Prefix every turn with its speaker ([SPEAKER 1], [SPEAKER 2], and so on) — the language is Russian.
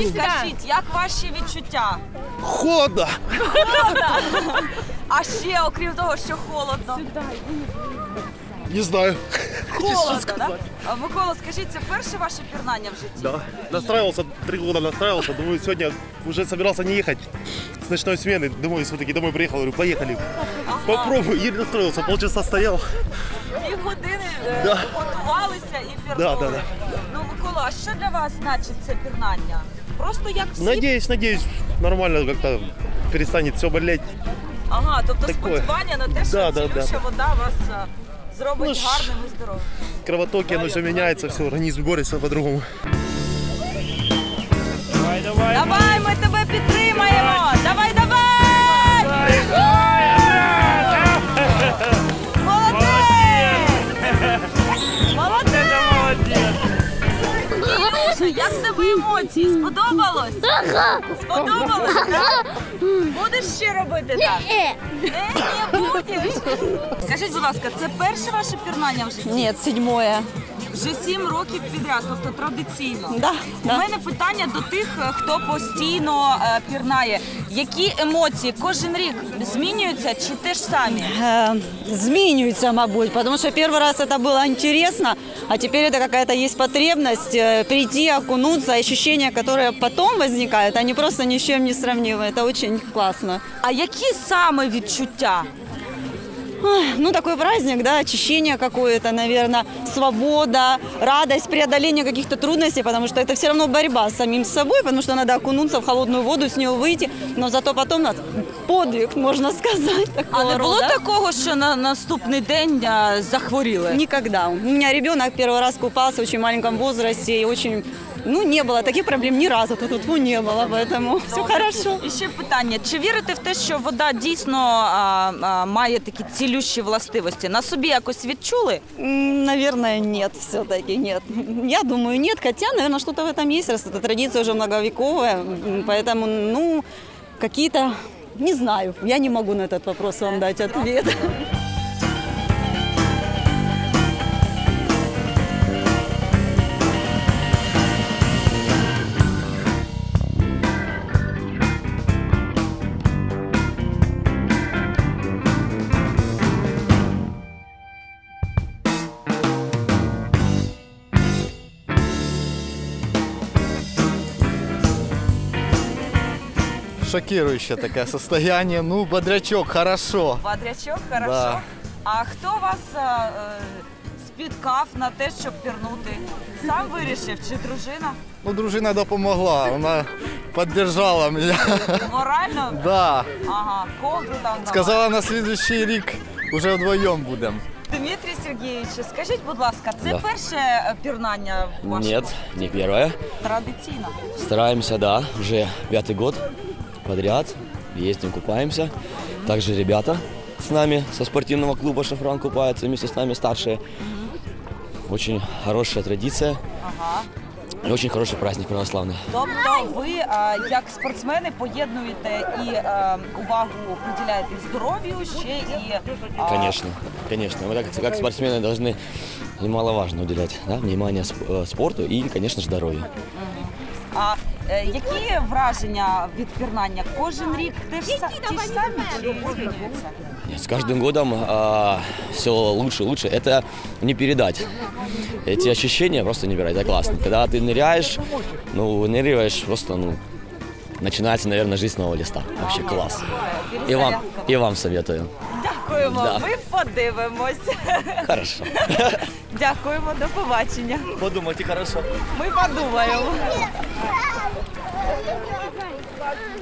[SPEAKER 1] Скажіть, як ваші відчуття?
[SPEAKER 2] Холодно.
[SPEAKER 1] Холодно? А ще, окрім того, що холодно?
[SPEAKER 2] Не знаю.
[SPEAKER 1] Холодно, да? А, Микола, скажіть, це перше ваше пірнання в житті?
[SPEAKER 2] Да. Настраивался, 3 года настраивался. Думаю, сегодня уже собирался не ехать с ночной смены. Думаю, все-таки домой приехал. Говорю, поехали. Попробуй. Еле настроился. Полчаса стоял.
[SPEAKER 1] Півгодини
[SPEAKER 2] Да.
[SPEAKER 1] готувалися і пірнули.
[SPEAKER 2] Да.
[SPEAKER 1] Ну, Микола, а що для вас значить це пірнання? Просто як всі?
[SPEAKER 2] Надеюсь, нормально как-то перестанет все болеть.
[SPEAKER 1] Ага, тобто
[SPEAKER 2] Такое.
[SPEAKER 1] сподівання на те, що
[SPEAKER 2] Да,
[SPEAKER 1] цілюща вода вас зробить
[SPEAKER 2] Ну ж.
[SPEAKER 1] гарним і здоровим.
[SPEAKER 2] Кровотоки, оно все меняется, все, организм борется по-другому.
[SPEAKER 1] Давай, ми тебе підтримаємо! Давай, давай! Молодець! Ілюша, як в тебе емоції? Сподобалось? Сподобалось, так? Будеш ще робити так? Не будеш. Скажіть, будь ласка, це перше ваше пірнання в житті?
[SPEAKER 3] Нет, 7-е.
[SPEAKER 1] Вже 7 років підряд, тобто традиційно.
[SPEAKER 3] Да,
[SPEAKER 1] У
[SPEAKER 3] да.
[SPEAKER 1] мене питання до тих, хто постійно пірнає. Які емоції кожен рік змінюються чи те ж самі?
[SPEAKER 3] Змінюється, мабуть, потому что первый раз это было интересно, а теперь это какая-то есть потребность прийти, окунуться, ощущения, которые потом возникают, они просто ни с чем не сравнимы. Это очень классно.
[SPEAKER 1] А які саме відчуття?
[SPEAKER 3] Ой, ну, такой праздник, да, очищение какое-то, наверное, свобода, радость, преодоление каких-то трудностей, потому что это все равно борьба с самим собой, потому что надо окунуться в холодную воду, с нее выйти, но зато потом подвиг, можно сказать.
[SPEAKER 1] А не було
[SPEAKER 3] рода.
[SPEAKER 1] такого, що на наступний день захворіли?
[SPEAKER 3] Никогда. У меня ребенок первый раз купался в очень маленьком возрасте и очень, не было таких проблем ни разу, тут не было, поэтому все хорошо.
[SPEAKER 1] І ще питання, чи вірите в те, що вода дійсно має такі цілющі властивості? На собі якось відчули?
[SPEAKER 3] Наверное, нет, все-таки нет. Я думаю, нет, хотя, наверное, что-то в этом есть, раз эта традиция уже многовековая, поэтому, какие-то, не знаю, я не могу на этот вопрос вам дать ответ.
[SPEAKER 4] Шокирующее такое состояние. Ну, бодрячок, хорошо.
[SPEAKER 1] Бодрячок, хорошо.
[SPEAKER 4] Да.
[SPEAKER 1] А хто вас спіткав на те, щоб пірнути? Сам вирішив чи дружина?
[SPEAKER 4] Ну, дружина допомогла, вона поддержала меня.
[SPEAKER 1] Морально?
[SPEAKER 4] Да.
[SPEAKER 1] Ага, ковдру там дала.
[SPEAKER 4] Сказала, на следующий рік уже вдвоєм будемо.
[SPEAKER 1] Дмитрий Сергеевич, скажіть, будь ласка, це перше пірнання в вашому?
[SPEAKER 5] Нет, не первое.
[SPEAKER 1] Традиційно.
[SPEAKER 5] Стараемся, да, уже 5-й год подряд. Ездим, купаемся. Также ребята с нами со спортивного клуба «Шафран» купаются вместе с нами старшие. Очень хорошая традиция.
[SPEAKER 1] Ага.
[SPEAKER 5] И очень хороший праздник православный.
[SPEAKER 1] Тобто ви, як спортсмени, поєднуєте і увагу приділяєте здоров'ю, ще і...
[SPEAKER 5] Конечно, конечно. Мы как спортсмены должны немаловажно уделять, да, внимание спорту и, конечно же, здоровью.
[SPEAKER 1] А які враження від пірнання? Кожен рік ті ж самі чи змінюються?
[SPEAKER 5] Нет, с каждым годом все лучше и лучше. Это не передать. Эти ощущения просто не передать. Это классно. Когда ты ныряешь, выныриваешь, просто, начинается, наверное, жизнь с нового листа. Вообще класс. И вам советую.
[SPEAKER 1] Дякуємо,
[SPEAKER 5] Да.
[SPEAKER 1] ми подивимось.
[SPEAKER 5] Хорошо.
[SPEAKER 1] Дякуємо, до побачення.
[SPEAKER 5] Подумайте хорошо.
[SPEAKER 1] Ми подумаємо.